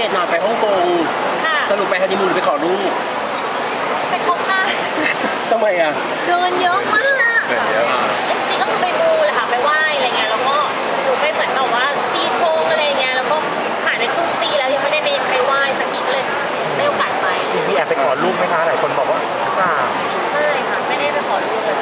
ตหน่อยไปฮ่องกงสรุปไปฮันนีมูนไปขอลูกไปคบค่ะทำไมอ่ะเดินเยอะมากจริงๆก็คือไปมูเลยค่ะไปไหว้อะไรเงี้ยแล้วก็หนูไปเหมือนแบบว่าปีชงอะไรเงี้ยแล้วก็ผ่านไปครึ่งปีแล้วยังไม่ได้ไปไหว้สักทีเลยไม่โอกาสไปมีแอบไปขอลูกไหมคะหลายคนบอกว่าไม่ค่ะไม่ได้ไปขอลูกเลย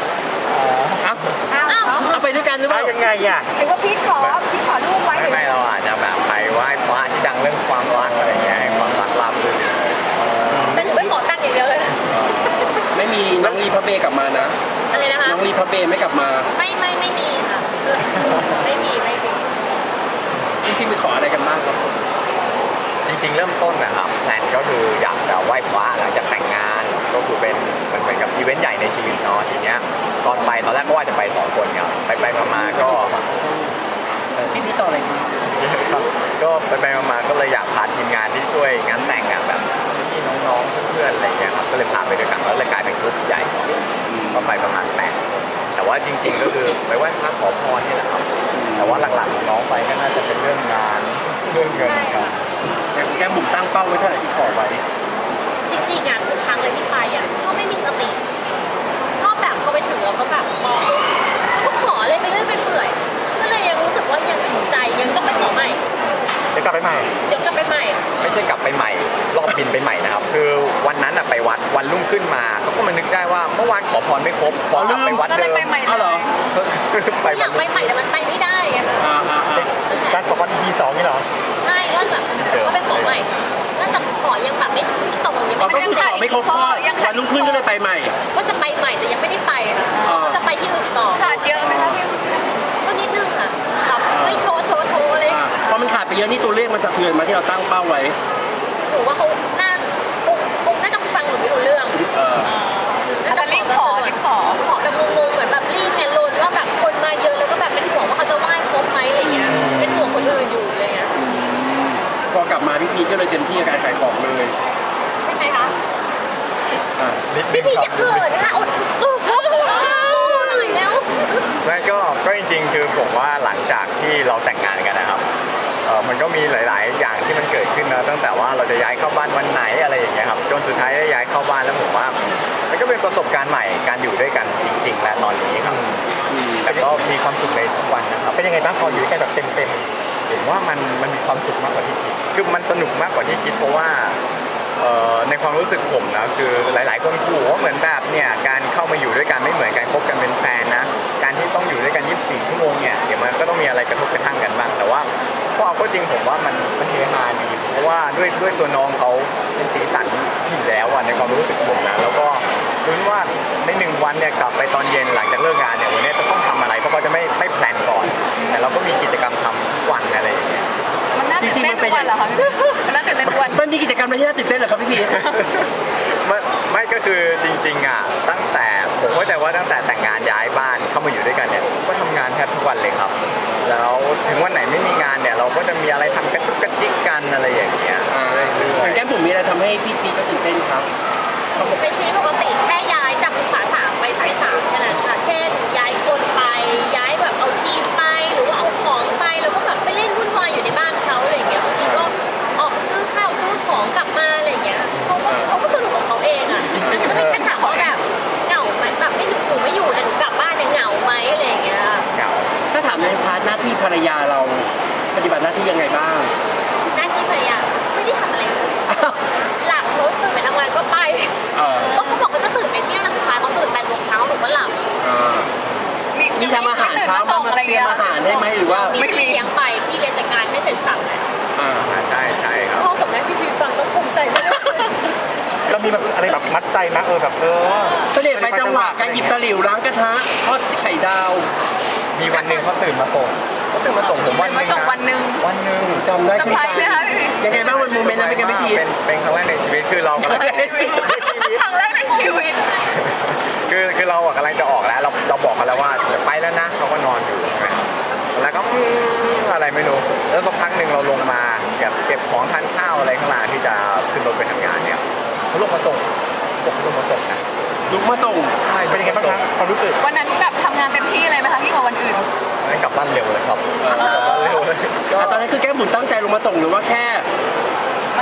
เอาไปด้วยกันหรือเปล่ายังไงอ่ะหรือว่าพี่ขอลูกไว้ไม่เราอาจจะแบบไปไหว้พระที่ดังเรื่องความรักอะไรเงี้ยให้ความรักราบรื่นแต่หนูไม่ขอตั้งอย่างเดียวเลยนะไม่มีน้องรีพับเบกลับมานะอะไรนะคะน้องรีพับเบไม่กลับมาไม่มีค่ะไม่มีจริงๆไปขออะไรกันบ้างครับจริงๆเริ่มต้นนะครับแพลนก็คืออยากจะไหว้พระหลังจากแต่งงานก็คือเป็นมันเหมือนกับอีเวนต์ใหญ่ในชีวิตเนาะทีเนี้ยตอนแรกก็ว่าจะไป2 คนครับไปมาก็พี่ต่ออะไรครับก็ไปมาก็เลยอยากพาทีมงานที่ช่วยงานแต่งแบบพี่น้องๆเพื่อนๆอะไรเงี้ยครับก็เลยพาไปด้วยกันแล้วเลยกลายเป็นกลุ่มใหญ่ก็ไปประมาณ8แต่ว่าจริงๆก็คือไปไหว้พระขอพรนี่แหละครับแต่ว่าหลักๆน้องไปก็น่าจะเป็นเรื่องงานเรื่องเงินครับแต่แกบุ๋มตั้งเป้าไว้เท่าไหร่ที่ขอไว้จริงๆทุกครั้งเลยที่ไปก็ไม่มีสติชอบแบบก็ไปถึงแล้วก็แบบมองแล้วก็ขอเลยไปเรื่อยไปเปื่อยก็เลยยังรู้สึกว่ายังถูกใจยังต้องไปขอใหม่เดี๋ยวกลับไปใหม่ไม่ใช่กลับไปใหม่รอบบินไปใหม่นะครับคือวันนั้นไปวัดวันรุ่งขึ้นมาเขาก็มานึกได้ว่าเมื่อวานขอพรไม่ครบขอกลับไปวัดเดิมอ๋อเหรออยากไปใหม่แต่มันไปไม่ได้ไงการขอพรปี2นี่เหรอใช่ว่าแบบก็ไปขอใหม่น่าจะขอยังแบบไม่ตรงยังไม่ได้ขอไม่ครบข้อวันรุ่งขึ้นก็เลยไปใหม่ว่าจะไปใหม่แต่ยังไม่ได้ไปจะไปที่อื่นต่อขาดเยอะไหมคะพี่ก็นิดนึงค่ะไม่โชว์เลยพอมันขาดไปเยอะนี่ตัวเลขมันสะเทือนมาที่เราตั้งเป้าไว้หนูว่าเขาน่าจะฟังหนูไม่รู้เรื่องน่าจะรีบขอแบบงงๆเหมือนแบบรีบเนี่ยลุ้นว่าแบบคนมาเยอะแล้วก็แบบเป็นห่วงว่าเขาจะไหว้ครบไหมอะไรเงี้ยเป็นห่วงคนอื่นอยู่อะไรเงี้ยพอกลับมาพี่พีก็เลยเต็มที่กับการขายของเลยใช่ไหมคะพี่พีจะเขินนะคะอดสู้หน่อยแล้วไม่ก็จริงๆคือผมว่าหลังจากที่เราแต่งงานกันนะครับมันก็มีหลายๆอย่างที่มันเกิดขึ้นนะตั้งแต่ว่าเราจะย้ายเข้าบ้านวันไหนอะไรอย่างเงี้ยครับจนสุดท้ายได้ย้ายเข้าบ้านแล้วผมว่ามันก็เป็นประสบการณ์ใหม่การอยู่ด้วยกันจริงๆและตอนนี้ครับแต่ก็มีความสุขในทุกวันนะครับเป็นยังไงบ้างพออยู่กันแบบเต็มผมว่ามันมีความสุขมากกว่าที่คิดคือมันสนุกมากกว่าที่คิดเพราะว่าในความรู้สึกผมนะคือหลายๆคนขู่ว่าเหมือนแบบเนี่ยการเข้ามาอยู่ด้วยกันไม่เหมือนการคบกันเป็นแฟนนะการที่ต้องอยู่ด้วยกัน24 ชั่วโมงเนี่ยเดี๋ยวมันก็ต้องมีอะไรกระทบกระทั่งกันบ้างแต่ว่าพอเอาก็จริงผมว่ามันเฮฮาดีเพราะว่าด้วยตัวน้องเขาเป็นสีสันอยู่แล้วในความรู้สึกผมนะแล้วก็รู้ว่าใน1 วันเนี่ยกลับไปตอนเย็นหลังจากเลิกงานเนี่ยวันนี้จะต้องทำอะไรเพราะเขาจะไม่แพลนก่อนแต่เราก็มีกิจกรรมทำทุกวันอะไรอย่างเงี้ยจริงๆมันเป็นวันเหรอคะมันน่าตื่นเต้นทุกวันมันมีกิจกรรมอะไรที่น่าตื่นเต้นเหรอครับพี่พีไม่ก็คือจริงๆตั้งแต่ผมเข้าใจว่าตั้งแต่แต่งงานย้ายบ้านเข้ามาอยู่ด้วยกันเนี่ยก็ทำงานแทบทุกวันเลยครับแล้วถึงวันไหนไม่มีงานเนี่ยเราก็จะมีอะไรทำกันทุกกระจิกกันอะไรอย่างเงี้ยแก้มผมมีอะไรทำให้พี่พีก็ตื่นเต้นครับในชีวิตปกติแค่ย้ายจากสุขา3ไปสาย3แค่นั้นค่ะเช่นย้ายคนไปย้ายแบบเอาทีมไปหรือว่าเอาของไปแล้วก็แบบไปเล่นวุ่นวายอยู่ในบ้านเขาอะไรอย่างเงี้ยบางทีก็ออกซื้อข้าวซื้อของกลับมาอะไรอย่างเงี้ยเขาก็สนุกของเขาเองจะไม่แค่ถามว่าแบบเหงาไหมแบบไม่หนูไม่อยู่แต่หนูกลับบ้านเนี่ยเหงาไหมอะไรอย่างเงี้ยเหงาถ้าถามในพาร์ทหน้าที่ภรรยาเราปฏิบัติหน้าที่ยังไงบ้างหน้าที่ภรรยาไม่ได้ทำอะไรเลยหลับรถตื่นไปทำงานก็ไปก็เขาบอกว่าจะตื่นไปเที่ยงแต่สุดท้ายเขาตื่น8 โมงเช้าหนูก็หลับมีทำอาหารเช้ามาเตรียมอาหารได้ไหมหรือว่าไม่เลี้ยงไปที่เรียนจากงานไม่เสร็จสับเลยใช่ครับพ่อกับแม่พี่ฟังต้องภูมิใจมากเรามีแบบอะไรแบบมัดใจมากแบบเสด็จไปจังหวะการหยิบตะหลิวล้างกระทะทอดไข่ดาวมีวันหนึ่งเขาตื่นมาส่งผมวันหนึ่งจำได้คือยังไงบ้างวันโมเมนต์นั้นเป็นไงไม่พีเป็นครั้งแรกในชีวิตคือเรากำลังครั้งแรกในชีวิตคือเรากำลังจะออกแล้วเราบอกกันแล้วว่าจะไปแล้วนะเขาก็นอนอยู่แล้วก็อะไรไม่รู้แล้วสักพักหนึ่งเราลงมาเก็บของทานข้าวอะไรข้างล่างที่จะขึ้นรถไปทำงานเนี่ยเขาลงมาส่งนะลุกมาส่งเป็นยังไงบ้างครับความรู้สึกวันนั้นแบบทำงานเต็มที่เลยไหมคะที่กว่าวันอื่นกลับบ้านเร็วเลยครับกลับบ้านเร็วเลยตอนนั้นคือแก้มบุ๋มตั้งใจลงมาส่งหรือว่าแค่ม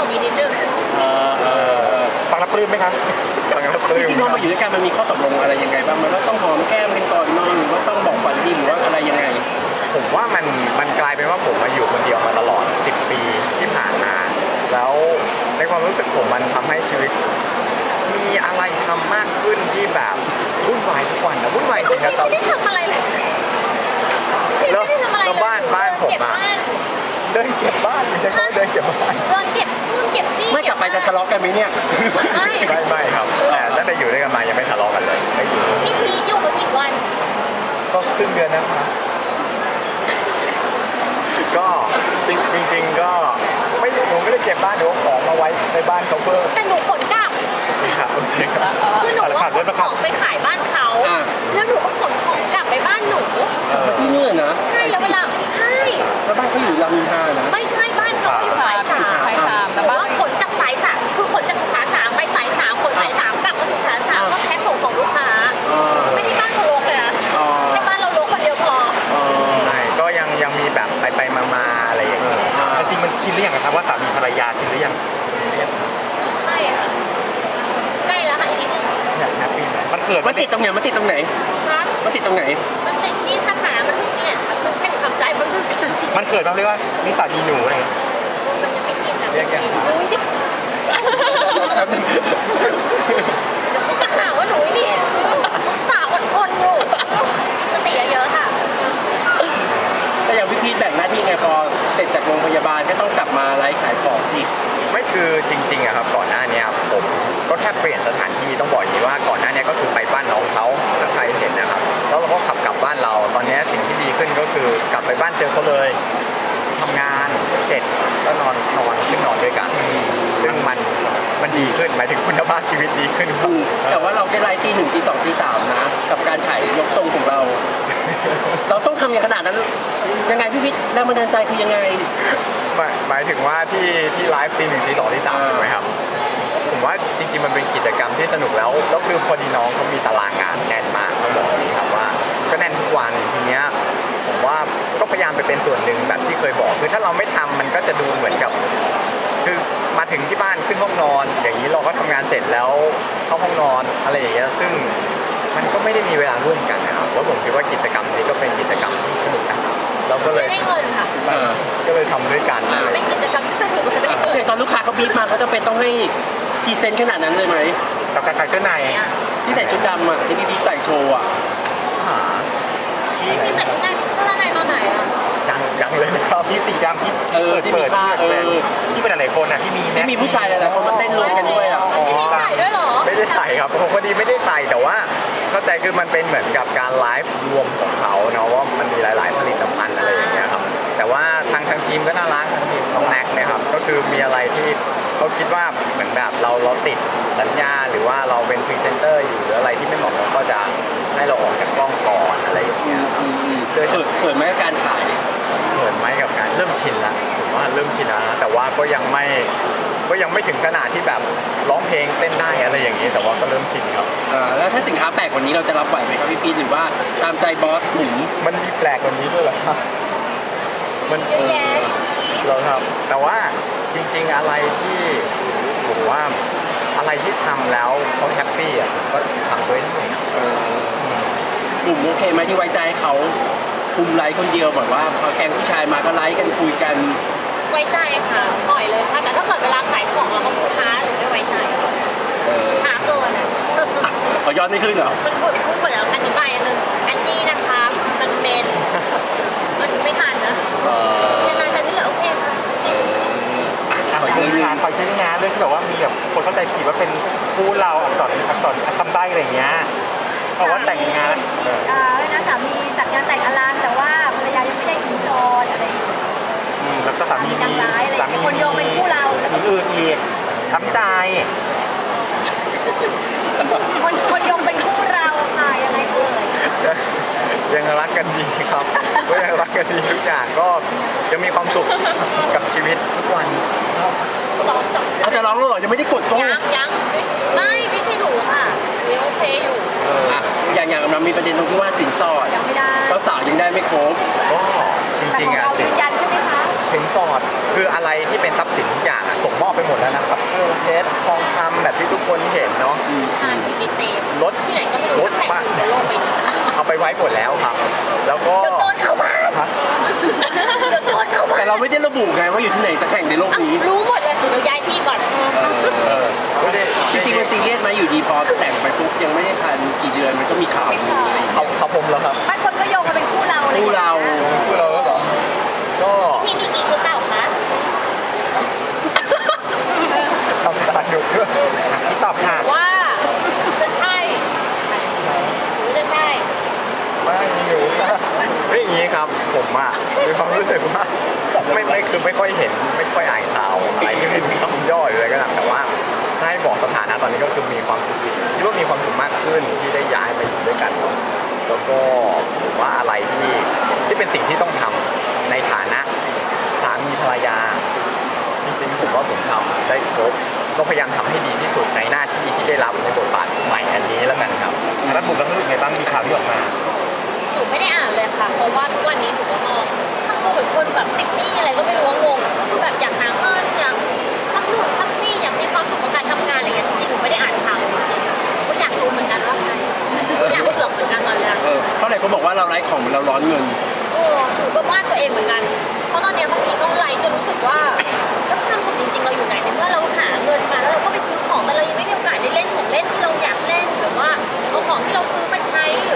อย่างนี้นิดนึงฟังแล้วปลื้มไหมครับฟังแล้วปลื้จมริงๆพอมาอยู่ด้วยกันมันมีข้อตกลงอะไรยังไงบ้างมันว่าต้องหอมแก้มกันก่อนนอนหรือว่าต้องบอกฝันดีหรือว่าอะไรยังไงผมว่ามันกลายเป็นว่าผมมาอยู่คนเดียวมาตลอด 10 ปีที่ผ่านมา แล้วในความรู้สึกผมมันทำให้ชีวิต มีอะไรทำมากขึ้นที่แบบวุ่นวายทุกวันนะวุ่นวายจริงนะตอนไม่ได้ทำอะไรเลยแล้วไม่ได้ทำอะไรเลยแล้วบ้านผมเก็บอะบ้านเดินเก็บบ้านไม่ใช่เขาเดินเก็บบ้านเดินเก็บนู่นเก็บนี่ไม่กลับไปจะทะเลาะกันไหมเนี่ยไม่ไม่ครับแต่ตั้งแต่อยู่ด้วยกันมายังไม่ทะเลาะกันเลยไม่อยู่พี่พีทอยู่มากี่วันก็ครึ่งเดือนนะครับก็จริงๆก็ไม่รู้ผมไม่ได้เก็บบ้านเดี๋ยวเอาของมาไว้ในบ้านเขาเพิ่มแต่หนูขนกลับครับโอเคครับคือหนูว่าขนของไปขายบ้านเขาอ่าแล้วหนูก็ขนของกลับไปบ้านหนูกลับมาที่นี่นะใช่แล้วเวลาใช่แล้วบ้านเขาอยู่รามอินทรานะไม่ใช่บ้านเขาอยู่สายสามสายสามแต่ว่าขนจากสายสามคือขนจากสุขาสามไปสายสามขนสายสามกลับมาสุขาสามก็แพ็คส่งของลูกค้าอ่าไม่ใช่บ้านเขารกเลยนะอ่าให้บ้านเรารกคนเดียวพออ่าใช่ก็ยังมีแบบไปมาอะไรอย่างเงี้ยจริงๆมันชินหรือยังครับว่าสามีภรรยาชินหรือยังใช่ค่ะใกล้แล้วค่ะอีกนิดนึงอยากแฮปปี้ไหมมันเกิดมันติดตรงไหนมันติดตรงไหนครับมันติดตรงไหนมันติดที่สถานะมันเพิ่งเนี่ยมันเพิ่งให้หนูทำใจมันเพิ่งมันเกิดมาเรียกว่านิสัยมีหนูอะไรอย่างเงี้ยมันจะไม่ชินนะอุ้ยดิเดี๋ยวเขาจะหาว่าหนูนี่สาวอดทนอยู่มีสติเยอะๆค่ะแต่อย่างพี่พีทแบ่งหน้าที่ไงพอเสร็จจากโรงพยาบาลก็ต้องกลับมาไลฟ์ขายของอีกไม่คือจริงๆอะครับก่อนหน้าเนี้ยผมก็แค่เปลี่ยนสถานที่ต้องบอกอย่างนี้ว่าก่อนหน้าเนี้ยก็คือไปบ้านน้องเขาถ้าใครเห็นนะครับแล้วเราก็ขับกลับบ้านเราตอนเนี้ยสิ่งที่ดีขึ้นก็คือกลับไปบ้านเจอเขาเลยทำงานเสร็จแล้วนอนขึ้นนอนด้วยกันซึ่งมันดีขึ้นหมายถึงคุณภาพชีวิตดีขึ้นครับแต่ว่าเราได้ไลฟ์ตี 1ตี 2ตี 3นะกับการขายยกทรงของเรา เราต้องทำอย่างขนาดนั้นยังไงพี่พีทแรงบันดาลใจคือยังไงหมายถึงว่าที่ไลฟ์ตี 1ตี 2ตี 3ถูกไหมครับผมว่าจริงๆมันเป็นกิจกรรมที่สนุกแล้วคือพอดีน้องเขามีตารางงานแน่นมากต้องบอกอย่างนี้ครับว่าก็แน่นทุกวันทีเนี้ยผมว่าก็พยายามไปเป็นส่วนหนึ่งแบบที่เคยบอกคือถ้าเราไม่ทำมันก็จะดูเหมือนกับคือมาถึงที่บ้านขึ้นห้องนอน อย่างนี้เราก็ทำงานเสร็จแล้วเข้าห้องนอนอะไรอย่างเงี้ยซึ่งมันก็ไม่ได้มีเวลาร่วมกันนะครับแล้วผมคิดว่ากิจกรรมนี้ก็เป็นกิจกรรมที่สนุกนะครับเราก็เลยไม่ได้เงินค่ะก็เลยทำด้วยกันเป็นกิจกรรมที่สนุกและได้เงินอย่างตอนลูกค้าเขาบีบมาเขาจะเป็นต้องให้พรีเซนต์ขนาดนั้นเลยไหมกับการขายเสื้อในที่ใส่ชุดดำอ่ะที่พี่พีทใส่โชว์อ่ะหาพี่ใส่ชุดในเสื้อในตอนไหนอ่ะยังเลยนะครับที่สีดำที่ที่มีผ้าที่เป็นหลายๆคนอ่ะที่มีที่มีผู้ชายหลายๆคนมาเต้นรวมกันด้วยอ่ะพี่ใส่ด้วยเหรอไม่ได้ใส่ครับผมพอดีไม่ได้ใส่แต่ว่าเข้าใจคือมันเป็นเหมือนกับการไลฟ์รวมของเขาเนาะว่ามันมีหลาย ๆ ผลิตภัณฑ์อะไรอย่างเงี้ยครับแต่ว่าทางทีมก็น่ารักทางทีมน้องแน็กเนี่ยครับก็คือมีอะไรที่เขาคิดว่าเหมือนแบบเราติดสัญญาหรือว่าเราเป็นพรีเซนเตอร์อยู่หรืออะไรที่ไม่เหมาะสมก็จะให้เราออกจากกล้องก่อนอะไรอย่างเงี้ยครับเขินไหมกับการขายเหมือนไหมกับการเริ่มชินละผมว่าเริ่มชินแล้วนะแต่ว่าก็ยังไม่ถึงขนาดที่แบบร้องเพลงเต้นได้อะไรอย่างนี้ แต่ว่าก็เริ่มชินครับแล้วถ้าสินค้าแปลกกว่านี้เราจะรับไหวไหมครับพี่พีทหรือว่าตามใจบอสหนุ่มมันมีแปลกกว่านี้ด้วยเหรอครับมันเยอะแยะเราครับแต่ว่าจริงๆอะไรที่ผมว่าอะไรที่ทำแล้วเขาแฮปปี้อ่ะก็ทำด้วยได้หนุ่มโอเคไหมที่ไว้ใจให้เขาคุมไลฟ์คนเดียวแบบว่าพอแกงผู้ชายมาก็ไลฟ์กันคุยกันไว้ใจค่ะปล่อยเลยค่ะแต่ถ้าเกิดเวลาขายของเราก็พูดช้าหรือไม่ไว้ใจช้าเกินขอยอดไม่ขึ้นเหรอมันพูดกว่าจะอธิบายอันนึงอันนี้นะคะมันเป็นมันไม่ทันนะแค่นั้นแต่ที่เหลือโอเคค่ะขอยืนยันขอชื่องานเรื่องที่แบบว่ามีแบบคนเข้าใจผิดว่าเป็นคู่เราอักษรคำใบ้อะไรอย่างเงี้ยเพราะว่าแต่งงานนะสามีจัดงานแต่งอลังแต่ว่าภรรยายังไม่ได้สินสอดอะไรอย่างเงี้ยแล้วก็สามีนางร้ายอะไรอย่างเงี้ยคนโยงเป็นคู่เราแล้วก็มีอื่นอีกช้ำใจคนโยงเป็นคู่เราค่ะยังไงเอ่ยยังรักกันดีครับก็ยังรักกันดีทุกอย่างก็ยังมีความสุขกับชีวิตทุกวันสองอาจจะร้องแล้วเหรอยังไม่ได้กดกล้องยังไม่ใช่หนูค่ะยังโอเคอยู่อย่างมันมีประเด็นตรงที่ว่าสินสอดยังไม่ได้เจ้าสาวยังได้ไม่ครบก็จแต่ริขงองๆอ่ะเรายืนยันใช่ไหมคะสินสอดคืออะไรที่เป็นทรัพย์สินทุกอย่างอะส่งมอบไปหมดแล้วนะครับเครื่องเพชรทองคำแบบที่ทุกคนเห็นเนาะชาญยูนิเซฟรถที่ไหนก็ไม่รู้สักแห่งในโลกใบนี้เอาไปไว้หมดแล้วครับ แล้วก็เดี๋ยวโจรเข้าบ้านฮะเดี๋ยวโจรเข้าบ้านแต่เราไม่ได้ระบุไงว่าอยู่ที่ไหนสักแห่งในโลกนี้รู้หมดเลยเดี๋ยวย้ายที่ก่อนไม่ได้จริงๆมันซีเรียสไหมอยู่ดีพอแต่งไปปุ๊บยังไม่ได้พันกี่เดือนมันก็มีข่าวลืออะไรอย่างเงี้ยเขาผมแล้วครับบางคนก็โยงมาเป็นคู่เราอะไรอย่งคู่งี้ยเราพูดเราแล้วเหรอก็พี่มีกี่คนเต่าคะทำตาดุด้วยที่ตอบค่ะว่าจะใช่หรือจะใช่ไม่อยู่ไม่อย่างนี้ครับ ผมอะมีความรู้สึกว่าไม่คือไม่ค่อยเห็นไม่ค่อยอ่านข่าวอะไรที่มีคำย่อยอะไรก็ตามแต่ว่าถ้าให้บอกสถานะตอนนี้ก็คือมีความสุขคิดว่ามีความสุขมากขึ้นที่ได้ย้ายมาอยู่ด้วยกันเนาะแล้วก็ผมว่าอะไรที่เป็นสิ่งที่ต้องทำในฐานะสามีภรรยา จริงๆผมว่าผมทำได้ครบก็พยายามทำให้ดีที่สุดในหน้าที่ที่ได้รับในบทบาทใหม่อันนี้แล้วกันครับแล้วบุ๋มรู้สึกไงบ้างมีข่าวที่ออกมาหนูไม่ได้อ่านเลยค่ะ เพราะว่าทุกวันนี้หนูก็มองทำตัวเหมือนคนแบบติดหนี้อะไรก็ไม่รู้ว่างงก็คือแบบอยากหาเงินอยากทำนู่นทำนี่อยากมีความสุขกับการทำงานอะไรอย่างเงี้ยจริงๆหนูไม่ได้อ่านข่าวจริงๆก็อยากรู้เหมือนกันว่าใครอยากเผือกเหมือนกันตอนแรกเพราะไหนเขาบอกว่าเราไร้ของเหมือนเราร้อนเงินโอ้หนูก็วาดตัวเองเหมือนกัน เพราะตอนเนี้ยบางทีก็ไลฟ์จนรู้สึกว่าแล้วความสุขจริงๆเราอยู่ไหนในเมื่อเราหาเงินมาแล้วเราก็ไปซื้อของแต่เรายังไม่มีโอกาสได้เล่นของเล่นที่เราอยากเล่นหรือว่าเอาของที่เราซื้อมาใช้